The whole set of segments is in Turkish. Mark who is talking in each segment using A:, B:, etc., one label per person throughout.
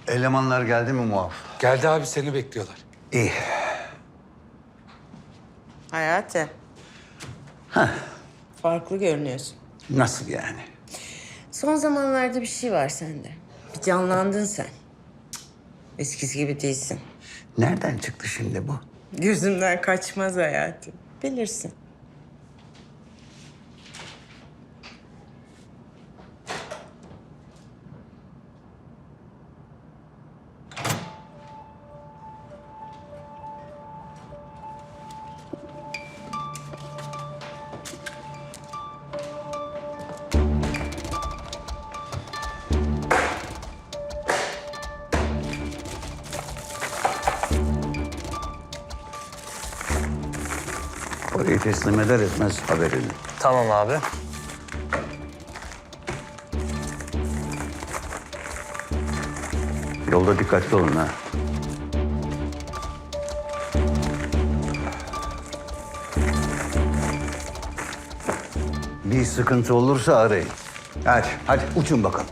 A: Elemanlar geldi mi muaf?
B: Geldi abi, seni bekliyorlar.
A: İyi.
C: Hayati. Farklı görünüyorsun.
A: Nasıl yani?
C: Son zamanlarda bir şey var sende. Bir canlandın sen. Eskisi gibi değilsin.
A: Nereden çıktı şimdi bu?
C: Gözümden kaçmaz Hayati. Bilirsin.
A: Orayı teslim eder etmez haberini.
D: Tamam abi.
A: Yolda dikkatli olun ha. Bir sıkıntı olursa arayın. Hadi uçun bakalım.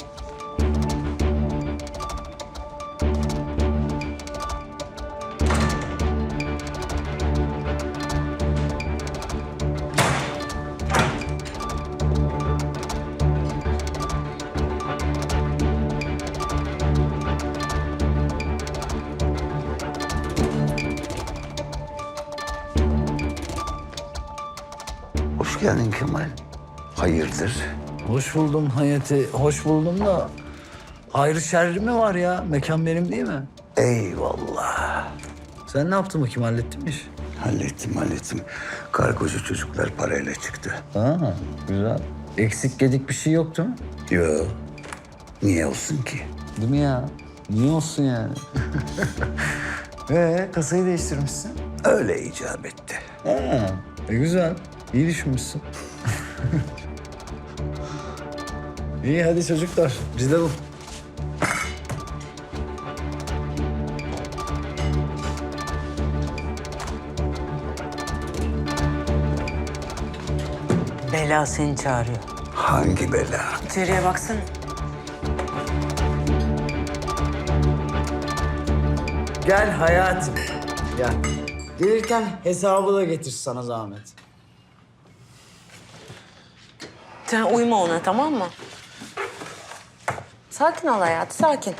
A: Hoş geldin Kemal. Hayırdır?
E: Hoş buldum Hayati, hoş buldum da... Hayrı şerri mi var ya? Mekan benim değil mi?
A: Eyvallah.
E: Sen ne yaptın bakayım, hallettin mi iş?
A: Hallettim. Kargocu çocuklar parayla çıktı.
E: Ha, güzel. Eksik gedik bir şey yok değil mi?
A: Yo. Niye olsun ki?
E: Değil mi ya? Niye olsun yani? Kasayı değiştirmişsin.
A: Öyle icap etti.
E: Ha, güzel. İyi düşünmüşsün. İyi hadi çocuklar, biz de bu.
C: Bela seni çağırıyor.
A: Hangi bela?
C: İçeriye baksana.
E: Gel hayatım. Gel. Gelirken hesabı da getir sana zahmet.
C: Sen uyma ona, tamam mı? Sakin ol Hayati, sakin.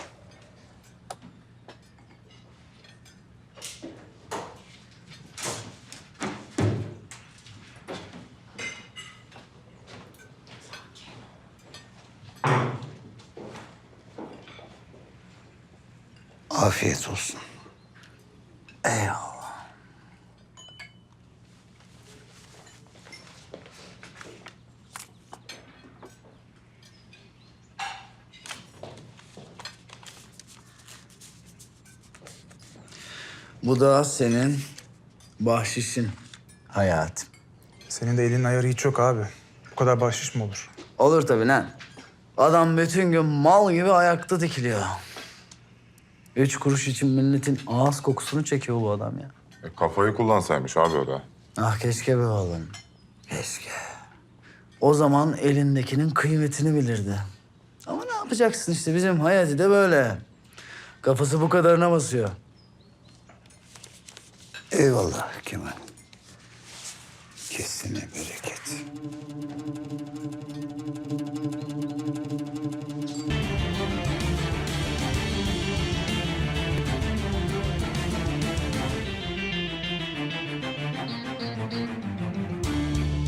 A: Afiyet olsun.
E: Eyvallah. Bu da senin bahşişin hayatım.
F: Senin de elinin ayarı hiç yok abi. Bu kadar bahşiş mi olur?
E: Olur tabii lan. Adam bütün gün mal gibi ayakta dikiliyor. 3 kuruş için milletin ağız kokusunu çekiyor bu adam ya.
G: Kafayı kullansaymış abi o da.
E: Ah keşke be oğlum. Keşke. O zaman elindekinin kıymetini bilirdi. Ama ne yapacaksın işte, bizim Hayati de böyle. Kafası bu kadarına basıyor.
A: Eyvallah Kemal. Kesine bereket.